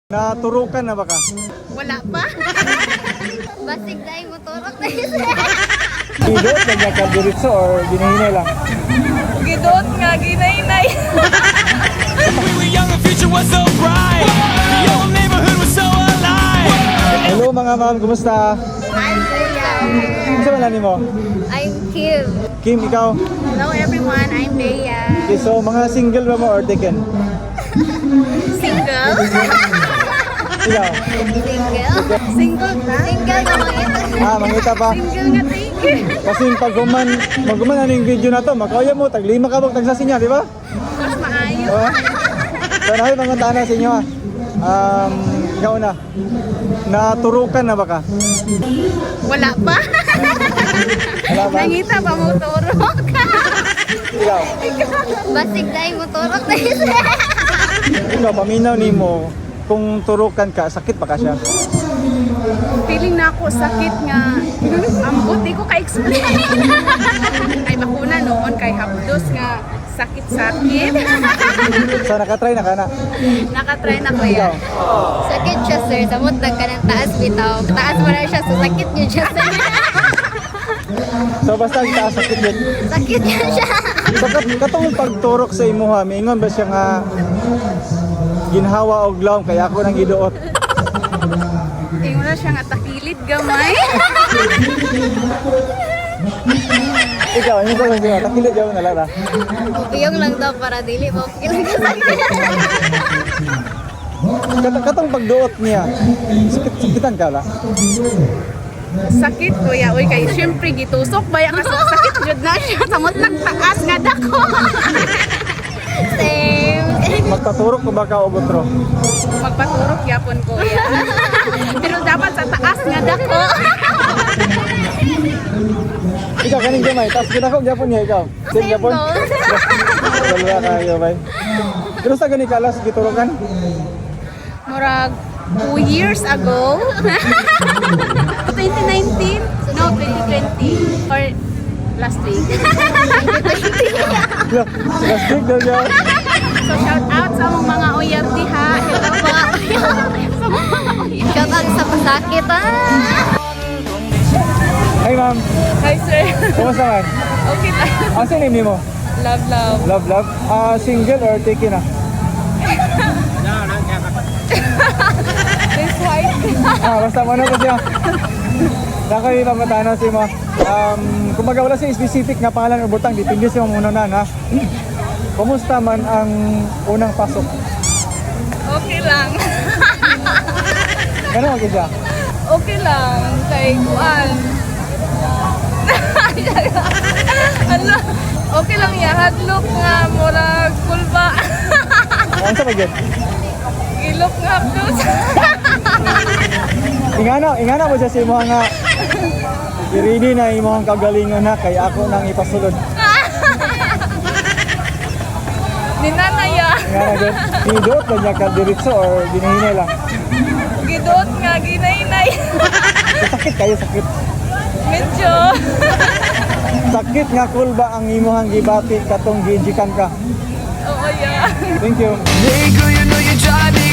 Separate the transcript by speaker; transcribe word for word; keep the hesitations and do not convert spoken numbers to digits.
Speaker 1: Naturukan na ba ka?
Speaker 2: Wala pa. Basig dahil motorok na yun.
Speaker 1: Gidot na niya ka diritso or ginahinay lang?
Speaker 2: Gidot nga, ginainay.
Speaker 3: We were young, the future was so bright. The old neighborhood was so alive.
Speaker 1: Hello mga ma'am, kumusta?
Speaker 2: I'm Bea.
Speaker 1: Kumusta man lang mo?
Speaker 2: I'm Kim.
Speaker 1: Kim, ikaw?
Speaker 2: Hello everyone, I'm Bea.
Speaker 1: Okay, so mga single ba mo or taken?
Speaker 2: Single?
Speaker 1: Ikaw?
Speaker 2: Single? Single na? Single na mangita.
Speaker 1: Ah, mangita pa.
Speaker 2: Single nga tayo.
Speaker 1: Kasi pag guman, pag guman ano yung video na to, makauya mo, taglima ka bang tagsasi niya, di ba?
Speaker 2: Mas maayo.
Speaker 1: Diba? So namin panguntaan na sa inyo ah. Um, ikaw na. Naturukan na ba ka?
Speaker 2: Wala pa.
Speaker 1: Wala ba?
Speaker 2: Nangita pa motorok.
Speaker 1: Ikaw?
Speaker 2: Basig dahil motorok na yun.
Speaker 1: Ikaw, paminaw ni mo, kung turukan ka, sakit pa ka siya?
Speaker 2: Feeling na ako sakit nga. Ambot, di ko ka-explain. Ay bakuna noon kay hapdos nga sakit-sakit.
Speaker 1: So nakatry na ka na?
Speaker 2: Nakatry na ko
Speaker 1: Ikaw?
Speaker 2: yan. Sakit siya sir, samot ka ng taas bitaw. Taas mo na siya, so sakit niya siya sir.
Speaker 1: So basta ang taas sakit yun.
Speaker 2: Sakit niya siya.
Speaker 1: So kat katong pagturok sa imuha, mingon ba siya nga ginhawa og lawom kaya ako nang giduot?
Speaker 2: Tingnan na siya nga takilid gamay.
Speaker 1: Ikaw, ano ba lang siya? Takilid gawin na lara.
Speaker 2: Upiyong lang daw para dili mo. Ilang kasakit.
Speaker 1: Kat katong pagduot niya, sakit sakitan ka la.
Speaker 2: Sakit kuya, uy kay syempre gitusok ba ya kasi sakit jud na siya samot nagtaas nga dako. Same.
Speaker 1: Magpaturok ko ba ka o butro?
Speaker 2: Magpaturok yapon kuya. Pero dapat sa taas nga dako.
Speaker 1: Ikaw kaning gamay, tapos kita ko gyapon niya ikaw. Same gyapon. Wala ka gamay. Pero sa gani kalas giturokan?
Speaker 2: Murag two years ago. twenty nineteen? No, twenty twenty. Or last week. twenty twenty.
Speaker 1: Last week daw niya.
Speaker 2: So shout out sa mga mga O R D ha. Hello mga sa mga shout out sa pasakit ha.
Speaker 1: Hi ma'am,
Speaker 2: Hi sir.
Speaker 1: kumusta man?
Speaker 2: Okay lang.
Speaker 1: Asa name ni mo?
Speaker 2: Love love.
Speaker 1: Love, love. Ah, single or taken ah?
Speaker 2: This white.
Speaker 1: Ah, basta mo na po siya. Nakay pamatanaw si mo. Um, kung wala siya specific nga pangalan o butang, dipindi siya muna na, ha? Kumusta man ang unang pasok?
Speaker 2: Okay lang.
Speaker 1: Gano'n ako siya?
Speaker 2: Okay lang. Kay Kuan. Ano? Okay lang ya. Hadlok nga. Murag kulba.
Speaker 1: Ano sa pagyan?
Speaker 2: Ilok nga plus.
Speaker 1: Ingana, ingana mo siya si mo nga i-ready na imong kagalingon na kay ako nang ipasulod.
Speaker 2: Ninanaya.
Speaker 1: Ingana din. Gidot na niya ka diritso or ginahinay lang?
Speaker 2: Gidot nga. Ginainay.
Speaker 1: So, sakit kayo, sakit.
Speaker 2: Medyo.
Speaker 1: Sakit nga kulba ang imong gibati katong gijikan ka.
Speaker 2: Oo yeah.
Speaker 1: Thank you.
Speaker 3: Hey girl, you know you drive me